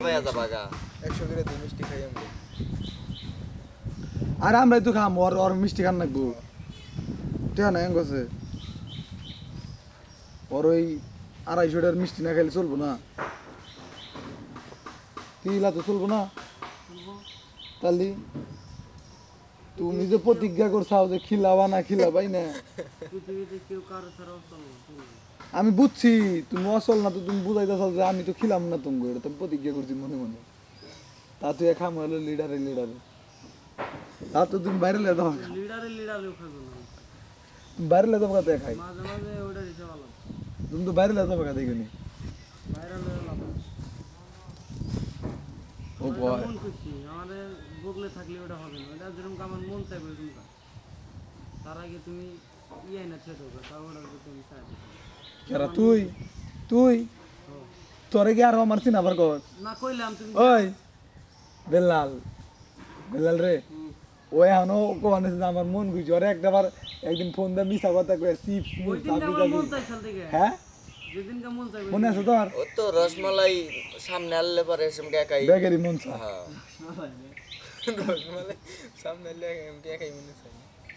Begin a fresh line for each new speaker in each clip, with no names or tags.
100 করে দুই মিষ্টি খাই আমরা।
আর আমরাই তো খাম ওর মিষ্টি খান লাগবো ঠিক না এম গেছে ওর ওই 250টার মিষ্টি না খাইলে চলবো না কিলা তো চলবো না তাহলে তুমি যে প্রতিজ্ঞা করছাও যে খিলাবা না খিলাবাই না আমি বুঝছি তুমি অসল না তো তুমি বুঝাইতেছ যে আমি তো খিলাম না তুমি এটা তুমি প্রতিজ্ঞা করছি মনে মনে তা তুই খাম হলো লিডারে তা তো তুমি বাইরে লে দাও তুমি বাইরে লে দাও কথা খাই তুমি তো বাইরে লে দাও কথা দেখনি ও বয়
আমাদের বগলে থাকলে ওটা হবে না ওটা যেরকম আমার মন চাইবে ওরকম তার আগে তুমি ইয়ে না ছেড়ে দেবে তাও ওটা তুমি চাইবে
কেরা তুই তুই তোরে কি আর আমার চিন আবার কর
না কইলাম তুমি
ওই বেলাল বেলাল রে ওই এখনো কোয়ানে আমার মন গুছি ওরে একবার একদিন ফোন দিয়ে মিছা কথা কয়ে চিপস
ওই দিনটা আমার মন চাইছিল থেকে
হ্যাঁ
যেদিনকে মন চাইবে
মনে আছে তোর
ও তো রসমালাই সামনে আনলে পরে এসম একাই
বেগেরই মন চা
হ্যাঁ রসমালাই সামনে আনলে এমটি একাই মনে চাই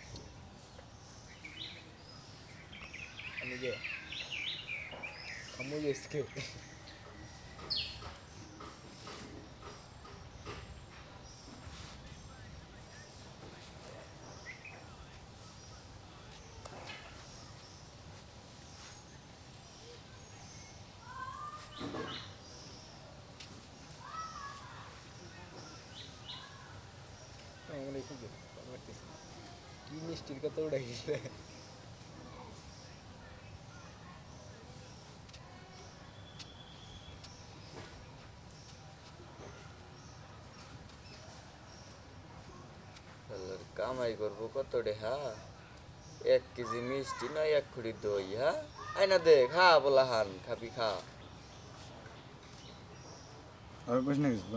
আমি যে খামু এসকে কি মিষ্টির কথা উঠে গেছে কামাই করবো কত ডেহা 1 কেজি মিষ্টি না 1 খুঁড়ি দই হ্যাঁ আইনা দে খা বলা হান খাবি খা
আর কইছ না কিছু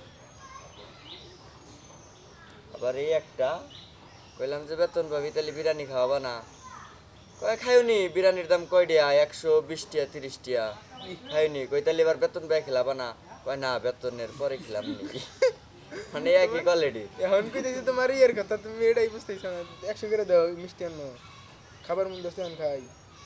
আবার এই একটা কইলাম যে বেতন পাবি তাহলে বিরিয়ানি খাওয়াবা না কয় খাইওনি বিরিয়ানির দাম কয় দিয়া 120 টাকা 30 টাকা খাইনি কই তাহলে এবার বেতন পাই খেলাবা না কয় না বেতনের পরে খেলাম নি মানে একই কোয়ালিটি
এখন কইতেছি তোমার ইয়ের কথা তুমি এটাই বুঝতেছ না 100 করে দাও মিষ্টি আনো খাবার মন দোস্ত আন খাই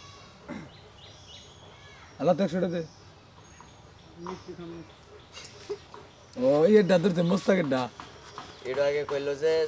আল্লাহ তো 100 দে
মিষ্টি খামু
ও এই দাদুর তে মস্তাকের ডা
এটা আগে কইলো যে